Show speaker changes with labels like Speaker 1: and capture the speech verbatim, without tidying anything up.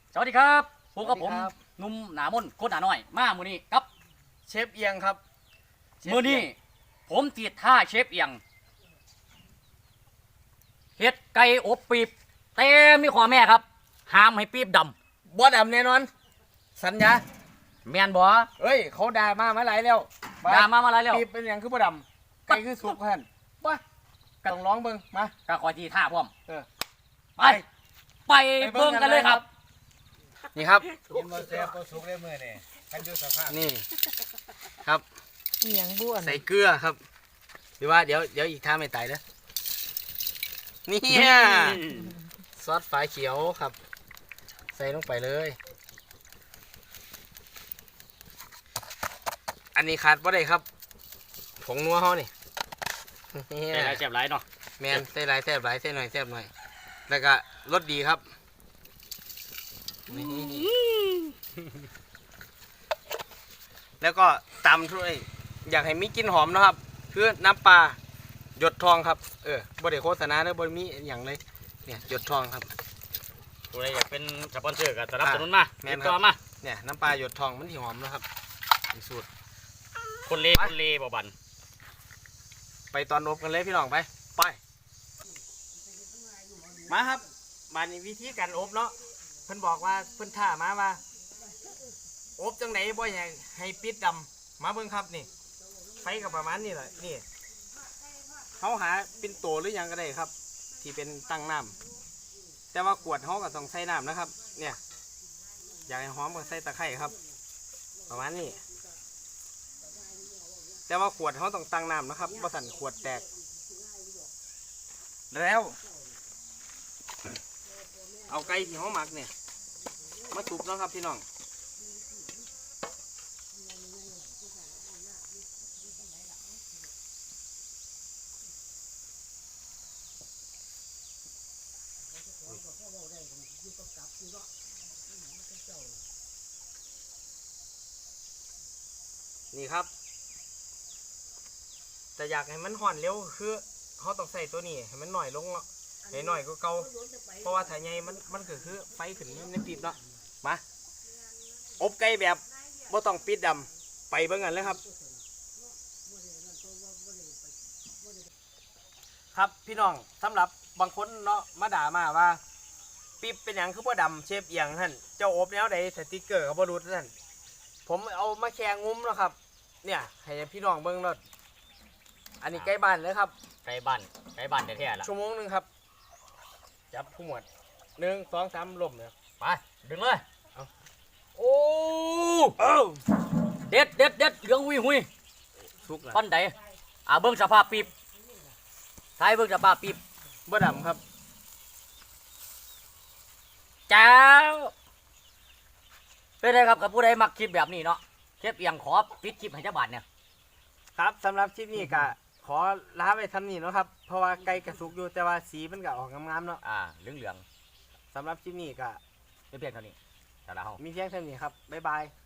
Speaker 1: สวัสดีครับพบกับผมหนุ่มหนามนโคตรหนาน้อยมามือนี้ครับ
Speaker 2: เชฟเอียงครับ
Speaker 1: มือนี้ผมติดท่าเชฟเอียงเฮ็ดไก่อบปีบแต่มีข้อแม่ครับห้ามให้ปีบด
Speaker 2: ำบ่ดำแน่นอนสัญญา
Speaker 1: ำแม่นบ่
Speaker 2: เอ้ยเขาด่ามามาหลายแล้ว
Speaker 1: ด่ามามาหลายแล้ว
Speaker 2: ปีบเป็นอย่างคือบ่ดำไก่คือสุกท่านป่ะต้องร้องเบิ่งมา
Speaker 1: ก็คอยทีท่าพร้อม
Speaker 2: เออ
Speaker 1: ไปไปเบิ่งกันเลยครับ
Speaker 2: นี่ครับ
Speaker 3: กินมาแซ่บก็สุกได้เมื่อนี่กันอยู่สภาพ
Speaker 2: นี่ครับ
Speaker 4: เอียงบ้วน
Speaker 2: ใส่เกลือครับหรือว่าเดี๋ยวเดี๋ยวอีกท่าไม่ตายเด้อนี่ซอสฝาเขียวครับใส่ลงไปเลยอันนี้ขาดบ่ได้ครับผงนัวเขานี่
Speaker 1: ใส่หลายแซ่บหลายเนาะ
Speaker 2: แมนใส่หลายแซ่บหลายใส่หน่อยแซ่บหน่อยแล้วก็รสดีครับแล้วก็ตำด้วยอยากให้มีกลิ่นหอมนะครับคือน้ำปลาหยดทองครับเออบ่ได้โฆษณาเด้อบ่มีอย่างเลยเนี่ยหยดทองครับ
Speaker 1: ผู้ใดอยากเป็นสปอนเซอร์ก็สนับสนุนมาติดต่อมา
Speaker 2: เนี่ยน้ำปลาหยดทองมันที่หอมนะครับสูตร
Speaker 1: คนเล่คนเล่บ่บัน
Speaker 2: ไปตอนอบกันเลยพี่น้องไปไปมาครับมาในวิธีการอบเนาะเพิ่นบอกว่าเพิ่นท่ามาว่าอบจังไหนบ่อยากให้ปิดดำมาเบิ่งครับนี่ไฟกับประมาณนี้แหละนี่เขาหาเป็นโตหรือยังก็ได้ครับที่เป็นตั้งน้ำแต่ว่ากวดเขาก็ต้องใส่น้ำนะครับเนี่ยอยากให้หอมก็ใส่ตะไคร้ครับประมาณนี้แต่ว่าขวดเขาต้องตั้งน้ำนะครับบ่สั่นขวดแตกแล้วเอาไก่ที่เขาหมักเนี่ยมาตุบแล้วครับพี่น้องนี่ครับแต่อยากให้มันห่อนเร็วคือเขาต้องใส่ตัวนี้ให้มันหน่อยลงเนาะให้หน่อยก็เก่าเพราะว่าถ้าใหญ่มันมันก็คือไฟขึ้นในปีบเนาะมาอบไก่แบบบ่ต้องปิดดำไปเบิ่งกันเลยครับครับพี่น้องสำหรับบางคนเนาะมาด่ามาว่าปีบเป็นอย่างคือบ่ดำเชฟเอียงท่านเจ้าอบแนวใดสติ๊กเกอร์ก็บ่รู้ท่านผมเอามาแข่งงุ้มแล้วครับเนี่ยให้พี่น้องเบิ่งรถอันนี้ใกล้บ้านเลยครับ
Speaker 1: ใกล้บ้านใกล้บ้านแท้ๆละ
Speaker 2: ชั่วโมงนึงครับจับผู้หมวดหนึ่งสองสามลมเนี่ย
Speaker 1: ไปดึงเลยเอาโอ้เด็ดเด็ดเด็ดเหลืองหุยหุย
Speaker 2: สุกแล้ว
Speaker 1: ปั้นใดอ่าเบิ้งสภาพปีบท้ายเบิ้งสภาพปีบ
Speaker 2: บ่ดำครับ
Speaker 1: เจ้าเป็นไรครับกับผู้ใดมักคลิปแบบนี้เนาะเชฟเอียงขอปิดคลิปให้เจ้าบ้านเนี่ย
Speaker 2: ครับสำหรับคลิปนี้ก็ขอลาไปทำนี่เนาะครับเพราะว่าไก่กระสุกอยู่แต่ว่าสีมันก็ออกงามๆเนาะ
Speaker 1: อ่าเหลืองเหลือง
Speaker 2: สำหรับคลิปนี้ก็
Speaker 1: เพียงเท่านี้แต่ละห้อง
Speaker 2: มีเพียงเท่านี้ครับบ๊ายบาย